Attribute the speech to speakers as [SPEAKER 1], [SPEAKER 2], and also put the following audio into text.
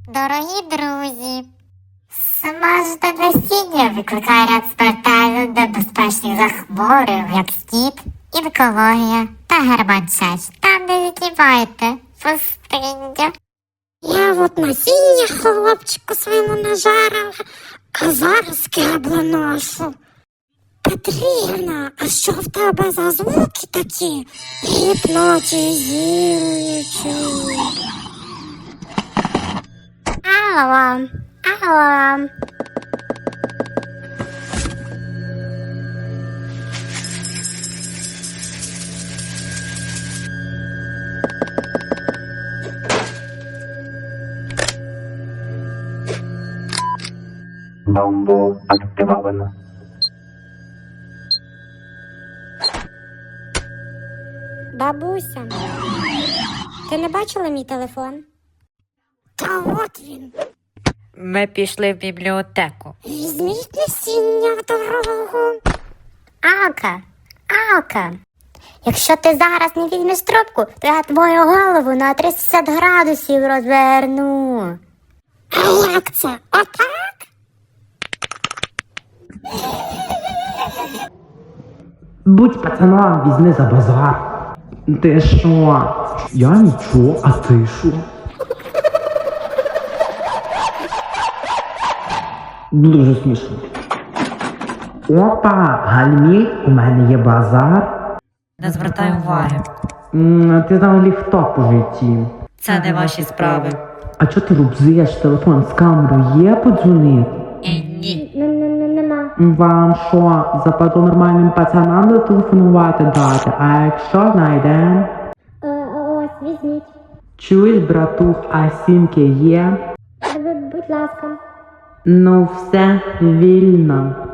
[SPEAKER 1] Дорогі друзі, смажте насіння викликає ряд смертельно небезпечних захворювань, як скіт, онкологія та германчеч. Та не знімайте пустиння.
[SPEAKER 2] Я от насіння хлопчику своєму нажарила, а зараз кебло ношу. Петрівна, а що в тебе за звуки такі гіпнотизуючі?
[SPEAKER 1] Алло, алло.
[SPEAKER 3] Бомбу активовано.
[SPEAKER 2] Бабуся, ти не бачила мій телефон? Та от він.
[SPEAKER 4] Ми пішли в бібліотеку.
[SPEAKER 2] Візьміть насіння в дорогу.
[SPEAKER 1] Алка, якщо ти зараз не візьмеш трубку, то я твою голову на 360 градусів розверну.
[SPEAKER 2] А як це? Отак?
[SPEAKER 5] Будь пацаном, візьми за базар. Ти що? Я нічого, а ти що? Дуже смішно. Опа, Гальмі, у мене є базар.
[SPEAKER 4] Не звертай уваги.
[SPEAKER 5] Ти взагалі хто по житті?
[SPEAKER 4] Це не ваші справи.
[SPEAKER 5] А чого ти рубзиш? Телефон з камерою є подзвонити?
[SPEAKER 4] Ні.
[SPEAKER 2] Нема.
[SPEAKER 5] Вам що, западу нормальним пацанам зателефонувати дати? А якщо знайдем?
[SPEAKER 2] Ось, візьміть.
[SPEAKER 5] Чуєш, братух, а сімки є?
[SPEAKER 2] Будь ласка.
[SPEAKER 5] Ну все, вільно.